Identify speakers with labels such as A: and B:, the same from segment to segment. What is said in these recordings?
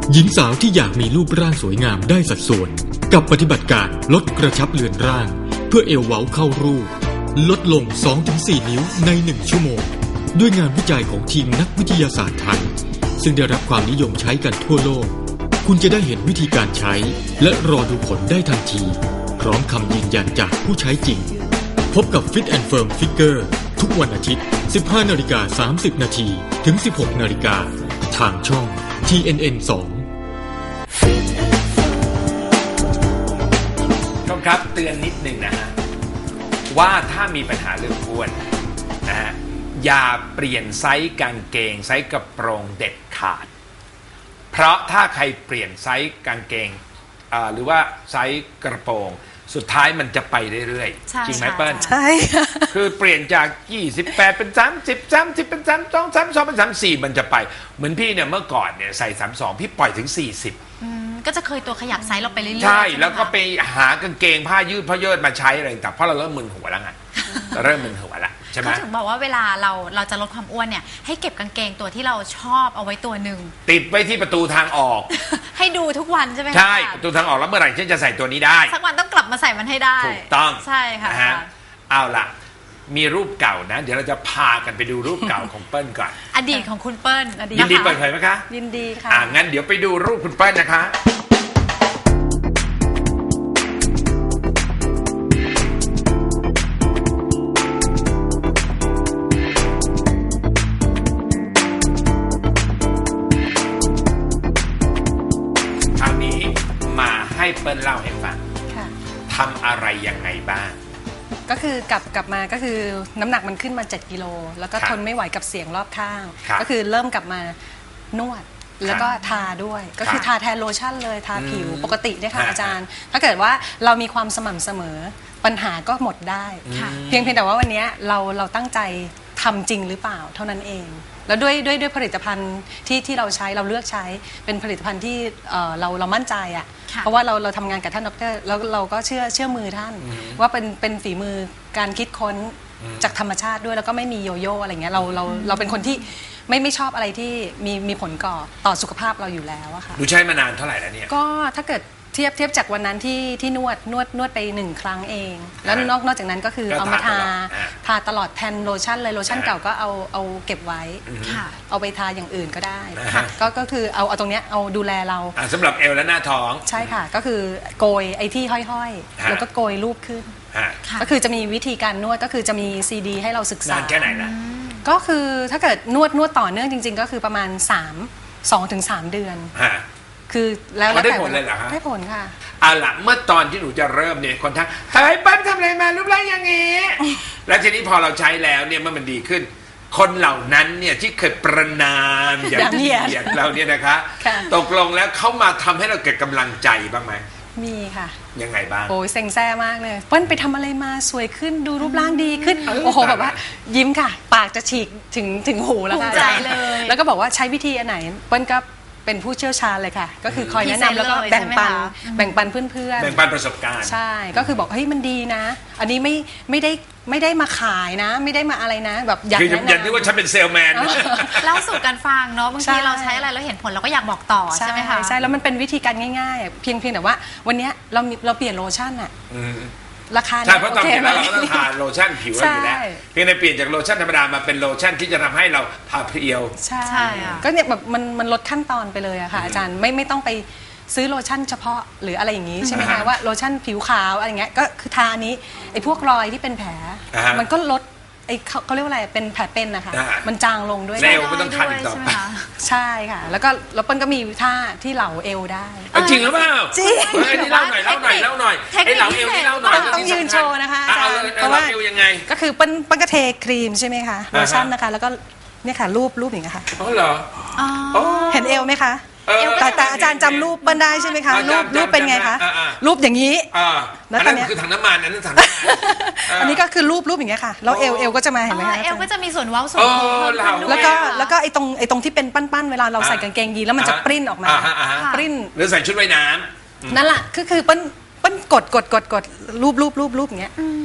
A: หญิงสาวที่อยากมีรูปร่างสวยงามได้สัดส่วนกับปฏิบัติการลดกระชับเลือนร่างเพื่อเอวเว้าเข้ารูปลดลง 2-4 นิ้วใน1ชั่วโมงด้วยงานวิจัยของทีมนักวิทยาศาสตร์ไทยซึ่งได้รับความนิยมใช้กันทั่วโลกคุณจะได้เห็นวิธีการใช้และรอดูผลได้ทันทีพร้อมคำยืนยันจากผู้ใช้จริงพบกับ Fit and Firm Figure ทุกวันอาทิตย์ 15:30 น.ถึง 16:00 น.ทางช่อง TNN 2
B: ครับเตือนนิดนึงนะฮะว่าถ้ามีปัญหาเรื่องอ้วนนะฮะอย่าเปลี่ยนไซส์กางเกงไซส์กระโปรงเด็ดขาดเพราะถ้าใครเปลี่ยนไซส์กางเกงหรือว่าไซส์กระโปรงสุดท้ายมันจะไปเรื่อยๆจริงไหมเปิ้ล
C: ใช่
B: คือเปลี่ยนจาก28เป็น30 30เป็น32 32เป็น34มันจะไปเหมือนพี่เนี่ยเมื่อก่อนเนี่ยใส่32พี่ปล่อยถึง40
C: ก็จะเคยตัวขยับไซส์เราไปเรื่อยๆ
B: ใช่แล้วก็ไปหากางเกงผ้ายืดผ้าเยิดมาใช้อะไรต่างเพราะเราเริ่มมึนหัวแล้วไงเราเริ่มมึนหัวแล้วใช่ไหม
C: เขาถึงบอกว่าเวลาเราจะลดความอ้วนเนี่ยให้เก็บกางเกงตัวที่เราชอบเอาไว้ตัวหนึ่ง
B: ติดไว้ที่ประตูทางออก
C: ให้ดูทุกวันใช่ไหม
B: ใช่ประตูทางออกแล้วเมื่อไหร่ฉันจะใส่ตัวนี้ได้
C: สักวันต้องกลับมาใส่มันให้ได้
B: ถูกต้อง
C: ใช่ค่ะ
B: เอาล่ะมีรูปเก่านะเดี๋ยวเราจะพากันไปดูรูปเก่าของเปิ้ลก่อน
C: อดีตของคุณเปิ้ล
B: ยินดีเปิดเผยไหมคะ
C: ยินดีค่ะ
B: งั้นเดี๋ยวไปดูรูปคุณเปิ้ลนะคะให้เปิ้ลเล่าให้ฟังทำอะไรยังไงบ้าง
D: ก็คือกลับมาก็คือน้ำหนักมันขึ้นมา7 กิโลแล้วก็ทนไม่ไหวกับเสียงรอบข้างก็คือเริ่มกลับมานวดแล้วก็ทาด้วยก็คือทาแทนโลชั่นเลยทาผิวปกติเนี่ยค่ะอาจารย์ถ้าเกิดว่าเรามีความสม่ำเสมอปัญหาก็หมดได้เพียงแต่ว่าวันนี้เราตั้งใจทำจริงหรือเปล่าเท่านั้นเองแล้วด้วยผลิตภัณฑ์ที่เราใช้เราเลือกใช้เป็นผลิตภัณฑ์ที่เรามั่นใจอ่ะเพราะว่าเราทำงานกับท่านดร.แล้วเราก็เชื่อมือท่านว่าเป็นฝีมือการคิดค้นจากธรรมชาติด้วยแล้วก็ไม่มีโยโย่อะไรเงี้ยเราเป็นคนที่ไม่ชอบอะไรที่มีผลต่อสุขภาพเราอยู่แล้วอะค่ะ
B: ดูใช้มานานเท่าไหร่แล้วเนี่ย
D: ก็ถ้าเกิดเทียบจากวันนั้นที่นวดไป1 ครั้งเองแล้วนอกจากนั้นก็คือเอามาทาตลอดแทนโลชั่นเลยโลชั่นเก่าก็เอาเก็บไว้เอาไปทาอย่างอื่นก็ได้ก็คือเอาตรงเนี้ยเอาดูแลเรา
B: สำหรับเอวและหน้าท้อง
D: ใช่ค่ะก็คือโกยไอ้ที่ห้อยๆแล้วก็โกยรูปขึ้นก็คือจะมีวิธีการนวดก็คือจะมีซีดีให้เราศึกษาน
B: านแค่ไหนนะ
D: ก็คือถ้าเกิดนวดต่อเนื่องจริงๆก็คือประมาณ2-3 เดือนคือแล้ว
B: ได้ผลเลยเหรอฮะ
D: ได้ผลค่ะ
B: ล่ะเมื่อตอนที่หนูจะเริ่มเนี่ยคนทักเฮ้ยเปิ้ลทำอะไรมารูปร่างอย่างนี้แล้วทีนี้พอเราใช้แล้วเนี่ยเมื่อมันดีขึ้นคนเหล่านั้นเนี่ยที่เคยประนามอย่างเกียดเราเนี่ยนะคะตกลงแล้วเขามาทำให้เราเกิดกำลังใจบ้างไหม
D: มีค่ะ
B: ยังไงบ้าง
D: โอ้ยเซ็งแซ่มากเลยเปิ้ลไปทำอะไรมาสวยขึ้นดูรูปร่างดีขึ้นโอ้โหแบบว่ายิ้มค่ะปากจะฉีกถึงหูแล้วค่ะ
C: ภูมิใจเลย
D: แล้วก็บอกว่าใช้วิธีอันไหนเปิ้ลก็เป็นผู้เชี่ยวชาญเลยค่ะก็คือคอยแนะนำแล้วก็แบ่งปันเพื่อน
B: แบ่งปันประสบการณ์
D: ใช่ก็คือบอกเฮ้ยมันดีนะอันนี้ไม่ได้มาขายนะไม่ได้มาอะไรนะแบบอยากแนะนำ
B: อย่างที่ว่าฉันเป็นเซลแมน
C: เล่าสู่กันฟังเนาะบางทีเราใช้อะไรแล้วเห็นผลเราก็อยากบอกต่อใช่ไหมคะ
D: ใช่แล้วมันเป็นวิธีการง่ายๆเพียงแต่ว่าวันนี้เราเปลี่ยนโลชั่นอะราคา
B: ใช่เพราะตอนนี้เราก็ต้องทาโลชั่นผิวอยู่แล้วเพียงแต่เปลี่ยนจากโลชั่นธรรมดามาเป็นโลชั่นที่จะทำให้เราทาเพรียว
D: ใช่ก็เนี่ยแบบมันลดขั้นตอนไปเลยอะค่ะอาจารย์ไม่ต้องไปซื้อโลชั่นเฉพาะหรืออะไรอย่างนี้ใช่ไหมคะว่าโลชั่นผิวขาวอะไรเงี้ยก็คือทาอันนี้ไอ้พวกรอยที่เป็นแผลมันก็ลดไอ้เขาเรียกว่าอะไรเป็นแผลเป็นนะคะมันจางลงด้วย
B: เอวไม่ต้องทันอีกต่อไป
D: ใช่ค่ะแล้วก็เปิ้ลก็มีท่าที่เหลาเอวได้
B: จริงหรือเปล่า
D: จริง
B: ไอ้นี่เล่าหน่อยไอ้เหลาเอวนี่เล่าหน่อย
D: ต้องยืนโชว์นะคะ
B: เพราะว่าเอวยังไง
D: ก็คือเปิ้ลก็เทครีมใช่ไหมคะโลชั่นนะคะแล้วก็เนี่ยค่ะรูปอย่างเงี้ยค่ะ
B: อ๋อเหรอ
D: เห็นเอวไหมคะแต่อาจารย์จำรูปเปิ้ลได้ใช่ไหมคะรูปเป็นไงคะรูปอย่างนี้
B: แล้วตอนนี้คือถังน้ำมันนั่นถังน้ำมัน
D: อันนี้ก็คือรูปอย่างเงี้ยค่ะแล้วเอวก็จะมาเห็นไหมคะ
C: เอวก็จะมีส่วนเว้าส่วนโค้ง
D: แล้วก็ไอ้ตรงที่เป็นปั้นๆเวลาเราใส่กางเกงยีนแล้วมันจะปริ้นออกมาปริ้น
B: หรือใส่ชุดว่ายน้ำ
D: นั่นแหละคือเปิ้ลกดรูปอย่างเงี้ย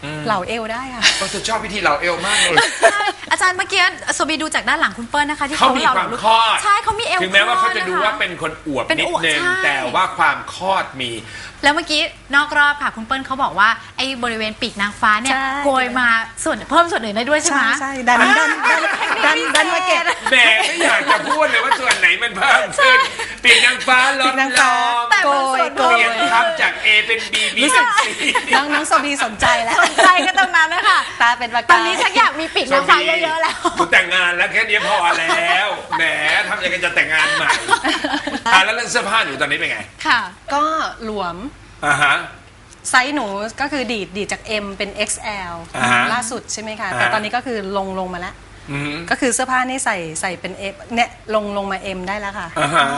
D: เหล่าเอวได้ค่ะ
B: ก็จะชอบวิธีเหลาเอวมากเลย
C: อาจารย์เมื่อกี้โซบีดูจากด้านหลังคุณเปิ้ลนะคะที่
B: เขามีความคลอด
C: ใช่เขามีเอว
B: ถึงแม้ว่าเขาจะ
C: คลอ
B: ดู
C: นค
B: ว่าเป็นคนอวบ
C: เป็น
B: นิด
C: อวบ
B: นึง
C: ใช่
B: แต่ว่าความคลอดมี
C: แล้วเมื่อกี้นอกรอบค่ะคุณเปิ้ลเขาบอกว่าไอ้บริเวณปีกนางฟ้าเนี่ย
D: ใช่
C: โกยมาส่วนเพิ่มส่วนอื่นได้ด้วยใช่ไหม
D: ใช่ดันมาเก็บ
B: แหมไม่อยากจะพูดเลยว่าส่วนไหนมันเพิ่มขึ้นปีกนางฟ้าล
D: ปี
B: ด
D: กนาง
B: ล
D: ฟ้าง
C: แต่
D: โก
C: มันส่
D: ย
C: วน
B: เปลี่ยนครับจาก A เป็น B B เป็น C
D: น้องโซบีสนใจแล้ว
C: สนใจก็ตรงนั้นนะคะ
D: ตาเป็นประ
C: ต
D: กา
C: อนนี้ชักอยากมีปีกนางฟ้าเยอะๆแล้ว
B: กูแต่งงานแล้วแค่นี้พอแล้วแหมทำยังไงจะแต่งงานใหม่แล้วเรื่องเสื้อผ้าหนูตอนนี้เป็นไง
C: ค่ะ
D: ก็หลวม
B: อ่าฮะ
D: ไซส์หนูก็คือดีดจาก M เป็น XL
B: อ่าฮะ
D: ล่าสุดใช่ไหมคะ
B: อ่าฮะ
D: แต่ตอนนี้ก็คือลงมาแล้ว
B: อืม
D: ก็คือเสื้อผ้านี่ใส่เป็น M เนี่ยลงมา M ได้แล้วค่ะ
B: อ่าฮะ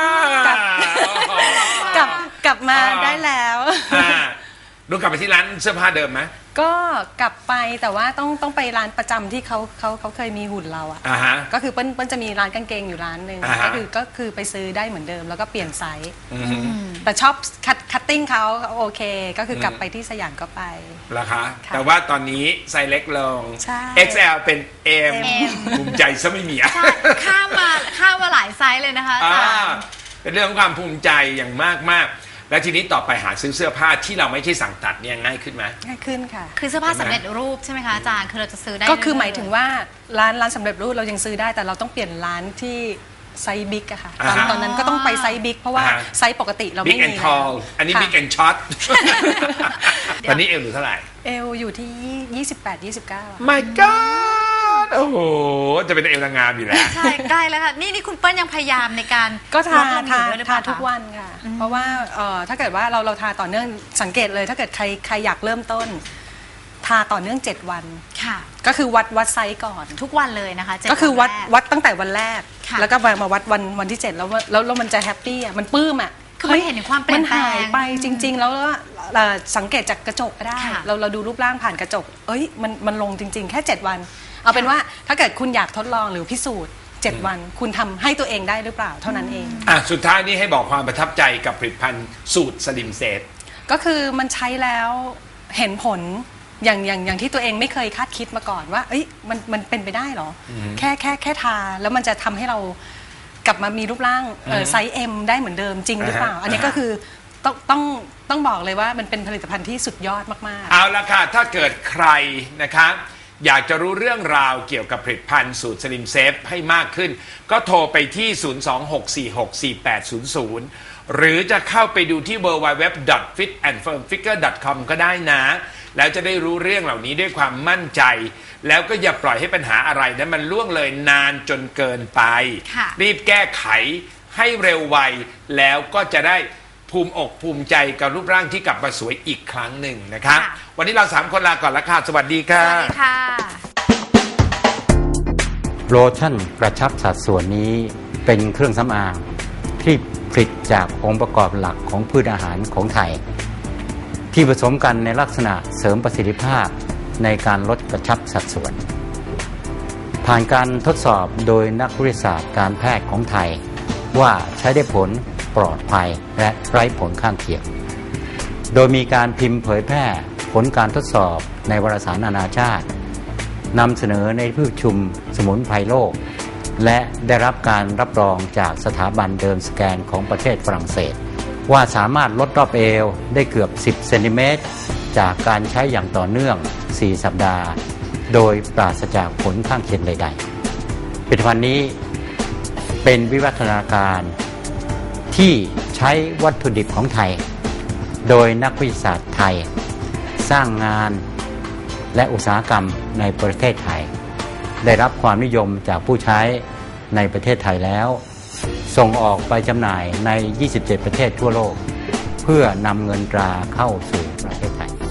D: กลับมาได้แล้ว
B: อ่าดูกลับไปที่ร้านเสื้อผ้าเดิมไหม
D: ก็กลับไปแต่ว่าต้องไปร้านประจำที่เขาเคยมีหุ่นเราอ่ะ
B: อ่าฮะ
D: ก็คือเปิ้ลจะมีร้านกางเกงอยู่ร้านหนึ่ง
B: อ่าฮะ
D: ก็คือไปซื้อได้เหมือนเดิมแล้วก็เปลี่ยนไซส์
B: อืม
D: แต่ชอบคัตติ้งเขาโอเค ก็คือกลับไปที่สยามก็ไป
B: ราคา
D: ค่ะ
B: แต่ว่าตอนนี้ไซส์เล็กลง
D: ใช่
B: XL เป็น M
C: M
B: ภูมิใจซะไม่มีอ่ะ
C: ใช่ข้ามมาหลายไซส์เลยนะคะอาจารย์
B: เป็นเรื่องของความภูมิใจอย่างมากๆ แล้วทีนี้ต่อไปหาซื้อเสื้อผ้าที่เราไม่ใช่สั่งตัดเนี่ยง่ายขึ้นไหม
D: ง่ายขึ้นค่ะ
C: คือเสื้อผ้าสำเร็จรูปใช่ไหมคะอาจารย์คือเราจะซื้อได้
D: ก็คือ
C: เรื่ๆ
D: หมายถึงว่าร้านสำเร็จรูปเรายังซื้อได้แต่เราต้องเปลี่ยนร้านที่ไซส์บิ๊กอะค่ะตอนนั้นก็ต้องไปไซส์บิ๊กเพราะว่าไซส์ปกติเรา
B: Big
D: ไม่
B: and
D: มี
B: tall อันนี้
D: ค่ะ
B: Big and short ตอนนี้เอวหนูเท่าไหร่
D: เอลอยู่ที่ 28-29
B: My God โอ้โห จะเป็นเอวนางงามอยู่แล้ว
C: ใช่ใกล้แล้วค่ะนี่คุณเปิ้ลยังพยายามในการ
D: ก็ทา
C: ลดลงอยู่ด้วยหรือเปล่
D: ทุกวันค่ะ เพราะว่าถ้าเกิดว่าเราทาต่อเนื่องสังเกตเลย ถ้าเกิดใครอยากเริ่มต้น ทาต่อเนื่อง7 วัน
C: ค่ะ
D: ก็คือวัดไซส์ก่อน
C: ทุกวันเลยนะคะ7
D: ก็คือวัด
C: นแรก
D: วัดตั้งแต่วันแรก
C: ค่ะ
D: แล้วก็มาวัดวันที่ 7 แล้วมันจะแฮปปี้อ่ะมันปลื้มอ่ะ
C: คือมันเห็นถึงความเปลี่ยนแปลง
D: มันหายไปจริง ๆ แล้วสังเกตจากกระจกก็ได้
C: ค่ะ
D: เราดูรูปร่างผ่านกระจกมันลงจริง ๆ แค่ 7 วัน เอาเป็นว่าถ้าเกิดคุณอยากทดลองหรือพิสูจน์ 7 วัน คุณทำให้ตัวเองได้หรือเปล่าเท่านั้นเอง
B: สุดท้ายนี้ให้บอกความประทับใจกับผลิตภัณฑ์สูตรสลิมเซฟ
D: ก็คือมันใช้แล้วเห็นผลอย่างที่ตัวเองไม่เคยคาดคิดมาก่อนว่าเอ้ยมันเป็นไปได้เหรอแค่ทาแล้วมันจะทำให้เรากลับมามีรูปร่างไซส์ M ได้เหมือนเดิมจริงหรือเปล่า อันนี้ก็คือต้องบอกเลยว่ามันเป็นผลิตภัณฑ์ที่สุดยอดมากๆ
B: เอาละค่ะ ถ้าเกิดใครนะคะอยากจะรู้เรื่องราวเกี่ยวกับผลิตภัณฑ์สูตรสลิมเซฟให้มากขึ้น ก็โทรไปที่ 026464800 หรือจะเข้าไปดูที่ www.fitandfirmfigure.com ก็ได้นะ แล้วจะได้รู้เรื่องเหล่านี้ด้วยความมั่นใจ แล้วก็อย่าปล่อยให้ปัญหาอะไรนั้นมันล่วงเลยนานจนเกินไป
C: ค่ะ
B: รีบแก้ไขให้เร็วไว แล้วก็จะได้ภูมิอกภูมิใจกับรูปร่างที่กลับมาสวยอีกครั้งหนึ่งนะคะ
C: ค่ะ
B: วันนี้เรา3คนลาก่อนละค่ะ สวัสดีค่ะ
C: สวัสดีค่ะ
E: โลชั่นกระชับสัดส่วนนี้เป็นเครื่องสำอางที่ผลิตจากองค์ประกอบหลักของพืชอาหารของไทย ที่ผสมกันในลักษณะเสริมประสิทธิภาพในการลดกระชับสัดส่วน ผ่านการทดสอบโดยนักวิทยาศาสตร์การแพทย์ของไทย ว่าใช้ได้ผลปลอดภัยและไร้ผลข้างเคียง โดยมีการพิมพ์เผยแพร่ผลการทดสอบในวารสารนานาชาตินำเสนอในที่ประชุมสมุนไพรโลก และได้รับการรับรองจากสถาบันเดิมสแกนของประเทศฝรั่งเศส ว่าสามารถลดรอบเอวได้เกือบ 10 เซนติเมตรจากการใช้อย่างต่อเนื่อง 4 สัปดาห์ โดยปราศจากผลข้างเคียงใดๆผลิตภัณฑ์นี้เป็นวิวัฒนาการที่ใช้วัตถุดิบของไทย โดยนักวิทยาศาสตร์ไทย สร้างงานและอุตสาหกรรมในประเทศไทย ได้รับความนิยมจากผู้ใช้ในประเทศไทยแล้ว ส่งออกไปจำหน่ายใน 27 ประเทศทั่วโลก เพื่อนำเงินตราเข้าสู่ประเทศไทย